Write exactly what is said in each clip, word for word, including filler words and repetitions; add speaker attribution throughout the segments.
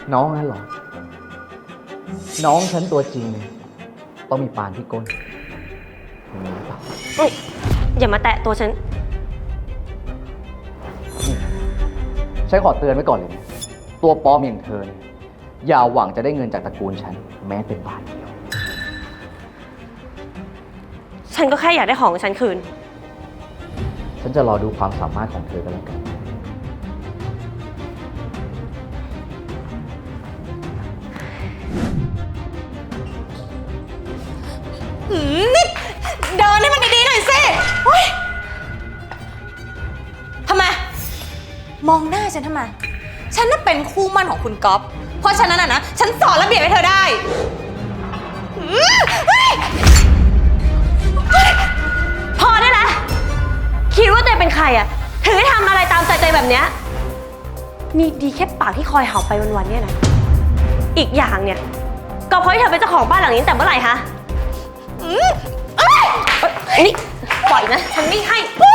Speaker 1: น้องนั่นหรอน้องฉันตัวจริงเลยต้องมีปานที่ก้นมีหรือเปล่า
Speaker 2: อย่ามาแตะตัวฉัน
Speaker 1: ฉันขอเตือนไว้ก่อนเลยนะตัวปลอมอย่างเธอเนี่ยอย่าหวังจะได้เงินจากตระกูลฉันแม้เป็นบาทเดียว
Speaker 2: ฉันก็แค่อยากได้ของของฉันคืน
Speaker 1: ฉันจะรอดูความสามารถของเธอกันแล้วกัน
Speaker 3: นี่เดินให้มันดีๆหน่อยสิทำไมมองหน้าฉันทำไมฉันน่ะเป็นคู่มั่นของคุณก๊อฟเพราะฉะนั้นนะนะฉันสอนระเบียบให้เธอได้
Speaker 2: พอได้แล้วคิดว่าตัวเองเป็นใครอะถึงได้ทำอะไรตามใจใจแบบเนี้ยมีดีแค่ปากที่คอยเห่าไปวันๆเนี่ยนะอีกอย่างเนี่ยก็เพราะที่เธอเป็นเจ้าของบ้านหลังนี้แต่เมื่อไหร่คะนี่ปล่อยนะฉันไม่ให้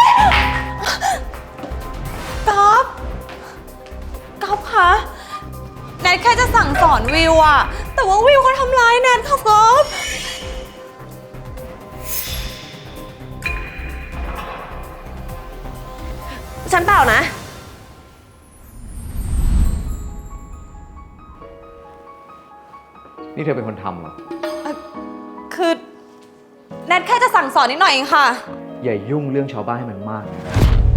Speaker 3: ก๊อฟก๊อฟคะแนทแค่จะสั่งสอนวิวอะแต่ว่าวิวเขาทำร้ายแนทค่ะก๊อฟ
Speaker 2: ฉันเปล่านะ
Speaker 1: นี่เธอเป็นคนทำเหรอ
Speaker 3: คือแนทแค่จะสั่งสอนนิดหน่อยเองค่ะ
Speaker 1: อย่ายุ่งเรื่องชาวบ้านให้มันมากนะ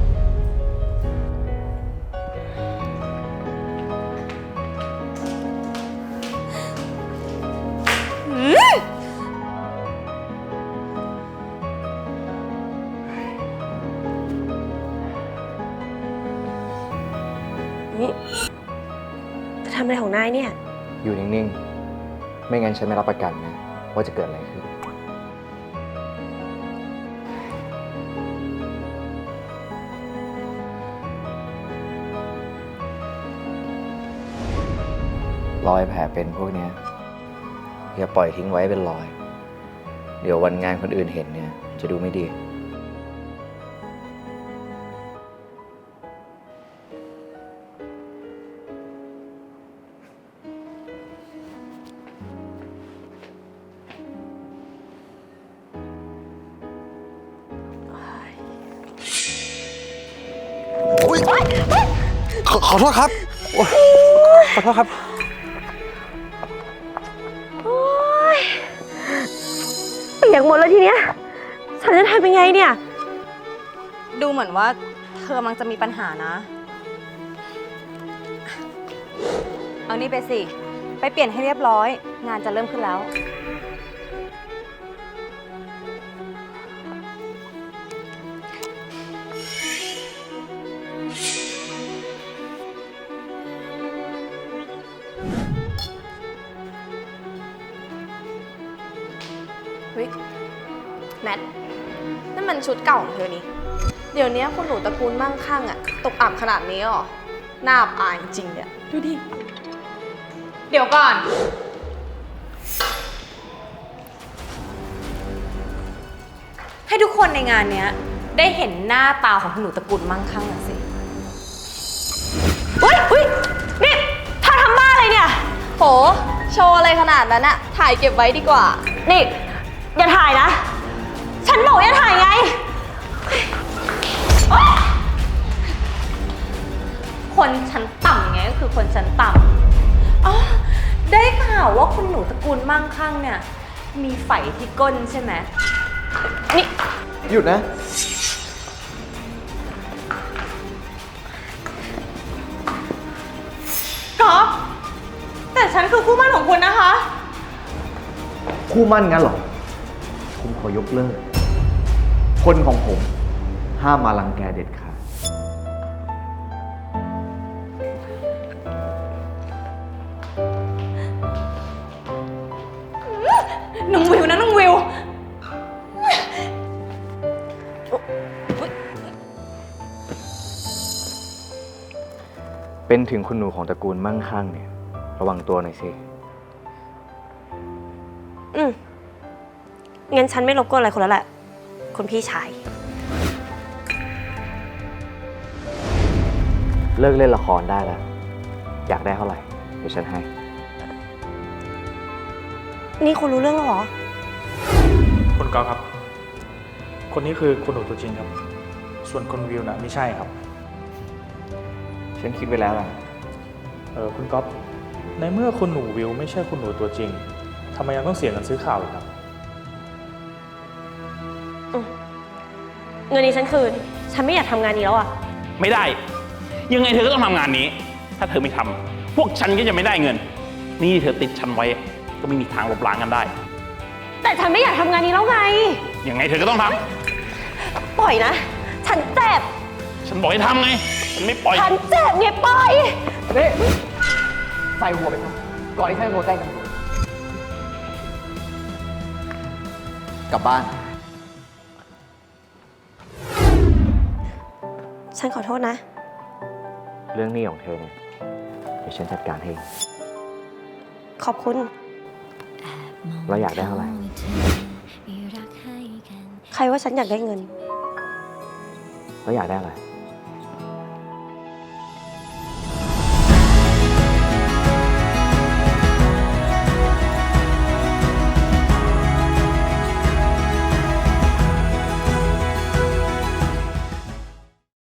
Speaker 2: นี่จะทำอะไรของนายเนี่ย
Speaker 1: อยู่นิ่งๆไม่งั้นฉันไม่รับประกันนะว่าจะเกิดอะไรขึ้นรอยแผลเป็นพวกนี้อย่าปล่อยทิ้งไว้เป็นรอยเดี๋ยววันงานคนอื่นเห็นเนี่ยจะดูไม่ดี
Speaker 4: ขอขอโทษครับขอโทษครับ
Speaker 2: เปียกหมดแล้วทีเนี้ยฉันจะทำยังไงเนี่ย
Speaker 3: ดูเหมือนว่าเธอมังจะมีปัญหานะเอานี่ไปสิไปเปลี่ยนให้เรียบร้อยงานจะเริ่มขึ้นแล้ว
Speaker 5: แนทนั่นมันชุดเก่าของเธอนี่เดี๋ยวนี้คุณหนูตระกูลมั่งคั่งอะตกอับขนาดนี้หรอน่าอับอายจริงเนี่ยดูดิ
Speaker 3: เดี๋ยวก่อนให้ทุกคนในงานเนี้ยได้เห็นหน้าตาของคุณหนูตระกูลมั่งคั่งหน่อยสิ
Speaker 2: อุ้ยอุ้ยนี่เธอทำบ้าอะไรเนี่ย
Speaker 5: โหโชว์อะไรขนาดนั้นอะถ่ายเก็บไว้ดีกว่า
Speaker 2: นี่อย่าถ่ายนะฉันบอกอย่าถ่ายไง
Speaker 3: คนชั้นต่ำไงก็คือคนชั้นต่ำอ๋อได้ข่าวว่าคุณหนูตระกูลมั่งคั่งเนี่ยมีไฝที่ก้นใช่ไหม
Speaker 2: นี่
Speaker 1: หยุดนะ
Speaker 3: ก๊อฟแต่ฉันคือคู่มั่นของคุณนะคะ
Speaker 1: คู่มั่นงั้นเหรอคุณขอยกเลิกคนของผมห้ามมารังแกเด็ดขาด
Speaker 3: น้องวิวนะน้องวิว
Speaker 1: เป็นถึงคุณหนูของตระกูลมั่งคั่งเนี่ยระวังตัวหน่อยสิ
Speaker 2: อืมงั้นฉันไม่รบกวนอะไรคุณแล้วแหละคุณพี่ชาย
Speaker 1: เลิกเล่นละครได้แล้วอยากได้เท่าไหร่เดี๋ยวฉันให้
Speaker 2: นี่คุณรู้เรื่องแล้วเหรอ
Speaker 6: คุณก๊อฟครับ คนนี้คือคุณหนูตัวจริงครับ ส่วนคุณวิวน่ะไม่ใช่ครับ
Speaker 1: ฉันคิดไว้แล้วล่ะ
Speaker 6: เออคุณก๊อฟในเมื่อคุณหนูวิวไม่ใช่คุณหนูตัวจริงทำไมยังต้องเสียเงินซื้อข่าวอีกครับ
Speaker 2: เงินนี้ฉันคืน ฉันไม่อยากทำงานนี้แล้วอะ
Speaker 7: ไม่ได้ ยังไงเธอก็ต้องทำงานนี้ ถ้าเธอไม่ทำพวกฉันก็จะไม่ได้เงิน นี่เธอติดฉันไว้ ก็ไม่มีทางลบล้างกันได้
Speaker 2: แต่ฉันไม่อยากทำงานนี้แล้วไง
Speaker 7: ยังไงเธอก็ต้องท
Speaker 2: ปล่อยนะ ฉันเจ็บ
Speaker 7: ำฉันบอกให้ทำไง ฉันไม่ปล่อย
Speaker 2: ฉันเจ็บไงปล่อย
Speaker 1: นี่ใส่หัวไปครับก่อนที่ฉันจะโทรแจ้งตำรวจกลับบ้าน
Speaker 2: ฉันขอโทษนะ
Speaker 1: เรื่องหนี้ของเธอเนี่ย เดี๋ยวฉันจัดการให้
Speaker 2: ขอบคุณ
Speaker 1: แล้วอยากได้เท่าไหร่
Speaker 2: ใครว่าฉันอยากได้เงิน
Speaker 1: แล้วอยากได้อะไร